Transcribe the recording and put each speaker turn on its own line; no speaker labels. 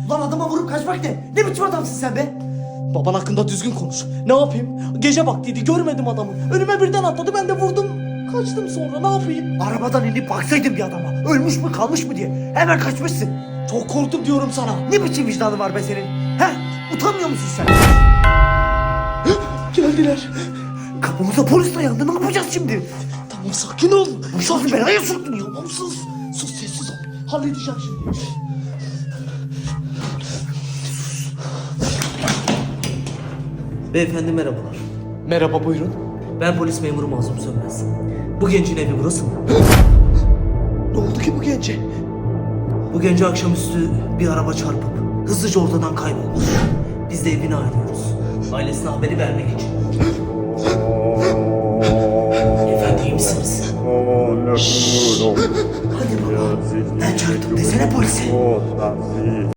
Ulan adama vurup kaçmak ne? Ne biçim adamsın sen be?
Baban hakkında düzgün konuş. Ne yapayım? Gece vaktiydi, görmedim adamı. Önüme birden atladı, ben de vurdum. Kaçtım sonra, ne yapayım?
Arabadan inip baksaydın bir adama. Ölmüş mü kalmış mı diye. Hemen kaçmışsın.
Çok korktum diyorum sana.
Ne biçim vicdanı var be senin? He? Utanmıyor musun sen?
Geldiler.
Kapımıza polis dayandı. Ne yapacağız şimdi?
Tamam, sakin ol.
Başımızı belaya soktun ya.
Tamam, sus. Sus, sessiz ol. Halledeceğim şimdi.
Beyefendi merhabalar.
Merhaba, buyurun.
Ben polis memuru Mazlum Sönmez. Bu gencin evi burası mı?
Ne oldu ki bu gence?
Bu gence akşamüstü bir araba çarpıp hızlıca ortadan kaybolmuş. Biz de evini arıyoruz. Ailesine haberi vermek için. Efendi iyi misiniz?
Hadi baba. Ben çarptım desene polise.